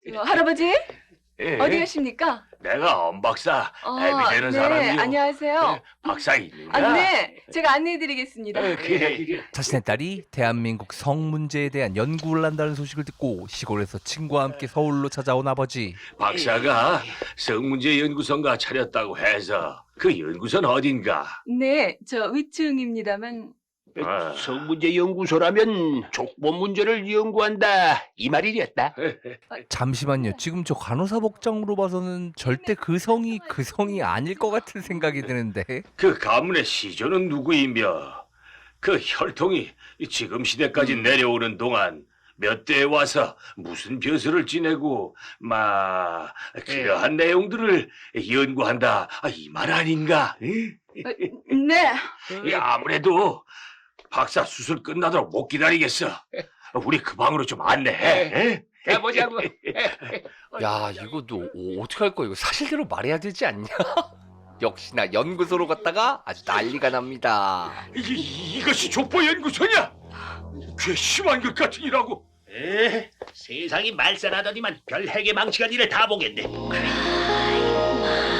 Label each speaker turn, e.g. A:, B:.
A: 할아버지?
B: 예.
A: 어디 계십니까?
B: 내가 엄 박사 애비 되는
A: 네,
B: 사람이요.
A: 안녕하세요.
B: 박사 있는가?
A: 네, 제가 안내해드리겠습니다.
B: 그래.
C: 자신의 딸이 대한민국 성 문제에 대한 연구를 한다는 소식을 듣고 시골에서 친구와 함께 서울로 찾아온 아버지.
B: 박사가 성문제 연구소인가 차렸다고 해서 그 연구소는 어딘가?
A: 네, 저 위층입니다만.
B: 아.
D: 성문제 연구소라면 족보 문제를 연구한다 이 말이랬다.
C: 잠시만요. 지금 저 간호사 복장으로 봐서는 절대 그 성이 아닐 것 같은 생각이 드는데.
B: 그 가문의 시조는 누구이며 그 혈통이 지금 시대까지 내려오는 동안 몇 대에 와서 무슨 벼슬을 지내고 그러한 내용들을 연구한다 이 말 아닌가?
A: 네,
B: 아무래도 박사 수술 끝나도록 못 기다리겠어. 우리 그 방으로 좀 안내해.
D: 가보자고.
C: 야, 이거 너 어떻게 할 거야? 이거 사실대로 말해야 되지 않냐? 역시나 연구소로 갔다가 아주 난리가 납니다.
B: 이것이 족보 연구소냐? 괘씸한 것 같으니라고.
D: 세상이 말살하더니만 별 핵의 망치가 니를 다 보겠네.